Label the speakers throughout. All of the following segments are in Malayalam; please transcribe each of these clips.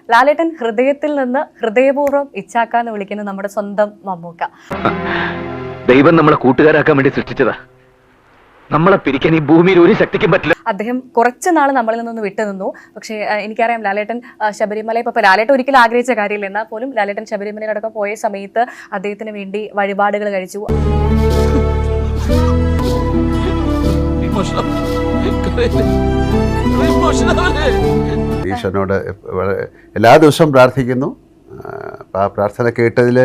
Speaker 1: ലാലേട്ടൻ ഹൃദയത്തിൽ നിന്ന് ഹൃദയപൂർവ്വം ഇച്ചാക്കാന്ന് വിളിക്കുന്ന നമ്മുടെ സ്വന്തം മമ്മൂക്ക.
Speaker 2: ദൈവം നമ്മളെ കൂട്ടുകാരാക്കാൻ വേണ്ടി സൃഷ്ടിച്ചതാ. നമ്മളെ പിരിക്കാൻ ഈ ഭൂമിയിൽ ഒരു ശക്തിക്കും പറ്റില്ല.
Speaker 1: അദ്ദേഹം കുറച്ച് നാൾ നമ്മളിൽ നിന്നൊന്ന് വിട്ടുനിന്നു. പക്ഷേ എനിക്കറിയാം ലാലേട്ടൻ ശബരിമല ഇപ്പൊ ലാലേട്ടൻ ഒരിക്കലും ആഗ്രഹിച്ച കാര്യമില്ല. എന്നാൽ പോലും ലാലേട്ടൻ ശബരിമലയിലടക്കം പോയ സമയത്ത് അദ്ദേഹത്തിന് വേണ്ടി വഴിപാടുകൾ കഴിച്ചു.
Speaker 3: ഈശ്വരനോട് എല്ലാ ദിവസവും പ്രാർത്ഥിക്കുന്നു. ആ പ്രാർത്ഥന കേട്ടതിൽ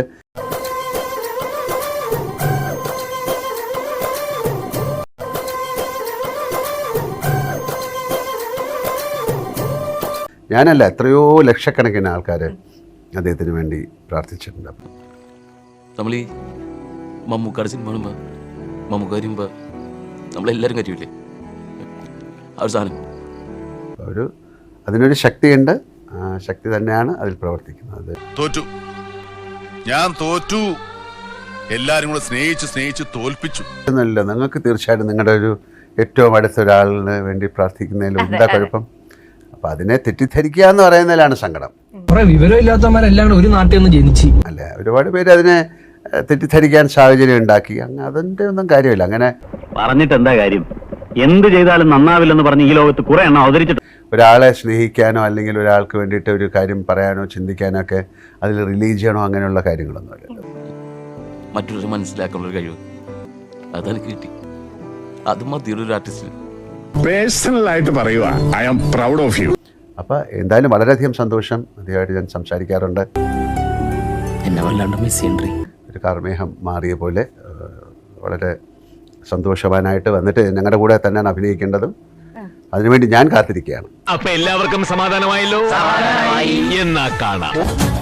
Speaker 3: ഞാനല്ല, എത്രയോ ലക്ഷക്കണക്കിന് ആൾക്കാർ അദ്ദേഹത്തിന് വേണ്ടി പ്രാർത്ഥിച്ചിട്ടുണ്ട്.
Speaker 4: നമ്മൾ ഈ മമ്മൂക്കാട് സിനിമ കാണുമ്പോൾ മമ്മൂക്ക വരുമ്പോൾ നമ്മളെല്ലാവരും കരുവില്ലേ ആ ഒരു സാധനം.
Speaker 3: അതിനൊരു ശക്തിയുണ്ട്. ആ ശക്തി തന്നെയാണ് അതിൽ പ്രവർത്തിക്കുന്നത്.
Speaker 5: തോറ്റു, ഞാൻ തോറ്റു. എല്ലാവരും കൂടെ സ്നേഹിച്ച് തോൽപ്പിച്ചു
Speaker 3: എന്നല്ല, നിങ്ങൾക്ക് തീർച്ചയായിട്ടും നിങ്ങളുടെ ഒരു ഏറ്റവും അടുത്ത ഒരാളിന് വേണ്ടി പ്രാർത്ഥിക്കുന്നതിൽ എന്താ കുഴപ്പം? അപ്പം അതിനെ തെറ്റിദ്ധരിക്കുക എന്ന് പറയുന്നതിലാണ് സങ്കടം.
Speaker 6: വിവരമില്ലാത്തവന്മാരെല്ലാം ഒരു നാട്ടിൽ നിന്ന് ജനിച്ചു
Speaker 3: അല്ല, ഒരുപാട് പേര് അതിനെ തെറ്റിദ്ധരിക്കാൻ സാഹചര്യം ഉണ്ടാക്കി. അതിൻ്റെ ഒന്നും കാര്യമില്ല. അങ്ങനെ
Speaker 2: പറഞ്ഞിട്ട് എന്താ കാര്യം? എന്ത് ചെയ്താലും നന്നാവില്ലെന്ന് പറഞ്ഞ് ഈ ലോകത്ത് കുറെ എണ്ണം അവതരിച്ചിട്ട്
Speaker 3: ഒരാളെ സ്നേഹിക്കാനോ അല്ലെങ്കിൽ ഒരാൾക്ക് വേണ്ടിയിട്ട് ഒരു കാര്യം പറയാനോ ചിന്തിക്കാനോ ഒക്കെ അതിൽ റിലീജ് ചെയ്യണോ അങ്ങനെയുള്ള കാര്യങ്ങളൊന്നുമില്ല.
Speaker 4: മറ്റൊരു മനസ്സിലാക്കാനുള്ള കഴിവ് അതെനിക്ക് കിട്ടി. അത് മതിയൊരു ആർട്ടിസ്റ്റിന്.
Speaker 5: പേഴ്സണലായിട്ട് പറയുക, I am proud of you.
Speaker 3: അപ്പോൾ എന്തായാലും വളരെയധികം സന്തോഷം. അദ്ദേഹമായിട്ട് ഞാൻ സംസാരിക്കാറുണ്ട്.
Speaker 4: എന്നെ വല്ലാണ്ട് മിസ് ചെയ്യണ്ടേ.
Speaker 3: ഒരു കാർമേഹം മാറിയ പോലെ വളരെ സന്തോഷവാനായിട്ട് വന്നിട്ട് ഞങ്ങളുടെ കൂടെ തന്നെയാണ് അഭിനയിക്കേണ്ടതും. അതിനുവേണ്ടി ഞാൻ കാത്തിരിക്കുകയാണ്.
Speaker 2: അപ്പൊ എല്ലാവർക്കും സമാധാനമായല്ലോ. എന്നാ കാണാം.